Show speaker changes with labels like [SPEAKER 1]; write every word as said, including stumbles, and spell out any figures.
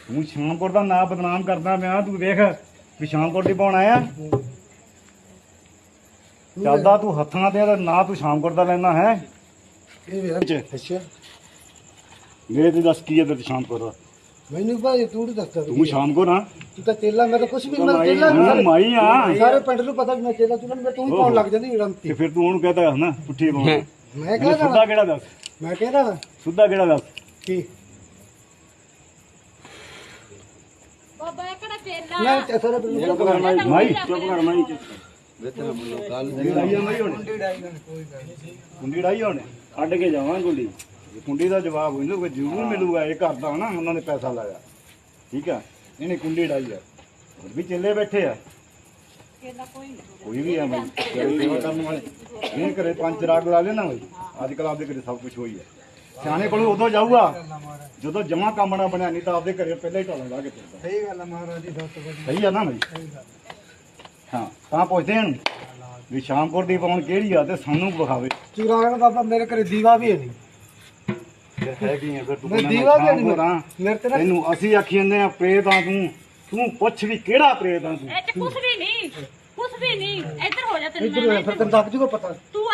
[SPEAKER 1] ਤੂੰ ਸ਼ਾਮਕੋਟ ਦਾ ਨਾਂ ਬਦਨਾਮ ਕਰਦਾ ਪਿਆ। ਤੂੰ ਵੇਖ ਵੀ ਸ਼ਾਮਕੋਟ ਦੀ ਪਾਉਣ ਆਇਆ ਚੱਲਦਾ ਤੂੰ ਹੱਥਾਂ ਤੇ ਨਾਂ ਤੂੰ ਸ਼ਾਮਕੋਟ ਦਾ ਲੈਣਾ ਹੈ।
[SPEAKER 2] ਅੱਛਾ
[SPEAKER 1] ਮੇਰੇ ਤੇ ਦੱਸ ਕੀ ਹੈ ਤੇ ਸ਼ਾਮਕੋਟ ਦਾ?
[SPEAKER 2] ਮੈਨੂੰ ਭਾਈ ਤੂੰ ਨੀ ਦੱਸਦਾ
[SPEAKER 1] ਤੂੰ ਸ਼ਾਮਕੋਟ ਆ
[SPEAKER 2] ਤੂੰ ਤਾਂ ਚੇਲਾ ਮੈਂ ਤਾਂ ਕੁਛ ਵੀ ਮੈਂ ਚੇਲਾ
[SPEAKER 1] ਤੂੰ ਮਾਈ ਆ
[SPEAKER 2] ਸਾਰੇ ਪਿੰਡ ਨੂੰ ਪਤਾ ਵੀ ਮੈਂ ਚੇਲਾ ਤੂੰ ਮੈਂ ਤੂੰ ਹੀ ਪਾਉਣ ਲੱਗ ਜਾਂਦੀ ਰੰਤੀ
[SPEAKER 1] ਤੇ ਫਿਰ ਤੂੰ ਉਹਨੂੰ ਕਹਤਾ ਨਾ ਪੁੱਠੀ ਪਾਉਣ।
[SPEAKER 2] ਮੈਂ
[SPEAKER 1] ਮੈਨੂੰ
[SPEAKER 2] ਕਹਿੰਦਾ
[SPEAKER 1] ਸੁੱਧਾ ਕਿਹੜਾ ਦੱਸ?
[SPEAKER 2] ਮੈਂ ਕਹਿੰਦਾ
[SPEAKER 1] ਸੁੱਧਾ ਕਿਹੜਾ ਦੱਸ?
[SPEAKER 2] ਕੀ
[SPEAKER 3] ਬਾਬਾ ਇਹ ਕਿਹੜਾ ਚੇਲਾ
[SPEAKER 2] ਮੈਂ ਤੇ ਸਾਰੇ ਪਿੰਡ ਨੂੰ
[SPEAKER 1] ਚੁੱਪ ਕਰ ਮਾਈ ਮਾਈ ਚੁੱਪ ਕਰ ਮਾਈ ਕੁੰਡੀ ਡਾਈ ਹੋਣੇ ਕੱਢ ਕੇ ਜਾਵਾਂ ਗੁੱਲੀ ਕੁੰਡੀ ਦਾ ਜਵਾਬ ਇਹਨੂੰ ਕੋਈ ਜ਼ਰੂਰ ਮਿਲੂਗਾ। ਇਹ ਕਰਦਾ ਨਾ ਉਹਨਾਂ ਨੇ ਪੈਸਾ ਲਾਇਆ ਠੀਕ ਆ। ਇਹਨੇ ਕੁੰਡੀ ਡਾਈ ਆ ਹੋਰ ਵੀ ਚੱਲੇ ਬੈਠੇ ਆ
[SPEAKER 3] ਚੇਲਾ ਕੋਈ ਨਹੀਂ
[SPEAKER 1] ਕੋਈ ਵੀ ਆ ਬਈ ਸੇਵਾ ਕਰਨ ਵਾਲੇ ਇਹ ਘਰੇ ਪੰਜ ਰਾਗ ਲਾ ਲੈਣਾ ਬਈ। ਅੱਜ ਕੱਲ ਆਪਦੇ ਘਰੇ ਸਭ ਕੁਝ ਹੋਈ ਹੈ। ਸਿਆਣੇ ਕੋਲ ਉਦੋਂ ਜਾਊਗਾ ਜਦੋਂ ਜਮਾ ਕੰਮ ਨਾ ਬਣਿਆ, ਨਹੀਂ ਤਾਂ ਆਪਦੇ ਘਰੇ ਪਹਿਲਾਂ ਹੀ ਢਾਲਾ ਲਾ ਕੇ ਤੁਰਦਾ।
[SPEAKER 2] ਸਹੀ ਗੱਲ ਹੈ ਮਹਾਰਾਜ ਦੀ ਸੱਤ ਵਜੇ
[SPEAKER 1] ਸਹੀ ਆ ਨਾ ਬਈ? ਹਾਂ ਤਾਂ ਪੁੱਛਦੇ ਹਨ ਵੀ ਸ਼ਾਮਕੋਟ ਦੀ ਪਾਉਣ ਕਿਹੜੀ ਆ ਤੇ ਸਾਨੂੰ ਵਿਖਾਵੇ।
[SPEAKER 2] ਚੁਰਾਗਣ ਬਾਬਾ ਮੇਰੇ ਘਰੇ ਦੀਵਾ ਵੀ ਹੈ ਨਹੀਂ।
[SPEAKER 1] ਫਿਰ ਹੈ ਕੀ ਹੈ ਫਿਰ ਤੂੰ
[SPEAKER 2] ਮੈਂ
[SPEAKER 1] ਕਹਿੰਦਾ
[SPEAKER 2] ਦੀਵਾ ਵੀ
[SPEAKER 1] ਸ਼ਾਮਕੋਟ ਆ।
[SPEAKER 2] ਨਹੀਂ ਮੇਰੇ ਤੇ ਨਾ
[SPEAKER 1] ਤੈਨੂੰ ਅਸੀਂ ਆਖੀ ਜਾਂਦੇ ਆ ਪ੍ਰੇਤ ਆ ਤੂੰ। ਤੂੰ ਪੁੱਛ ਵੀ ਕਿਹੜਾ ਪ੍ਰੇਤ ਆ ਤੂੰ?
[SPEAKER 3] ਇਹ ਚ ਕੁਛ ਵੀ ਨਹੀਂ ਕੁਛ ਵੀ ਨਹੀਂ ਇੱਧਰ ਹੋ ਜਾ ਤੈਨੂੰ
[SPEAKER 2] ਇੱਧਰ
[SPEAKER 3] ਮੈਂ
[SPEAKER 2] ਫਿਰ ਤੈਨੂੰ ਦੱਬ ਜੂਗਾ ਪਤਾ
[SPEAKER 3] ਤੂੰ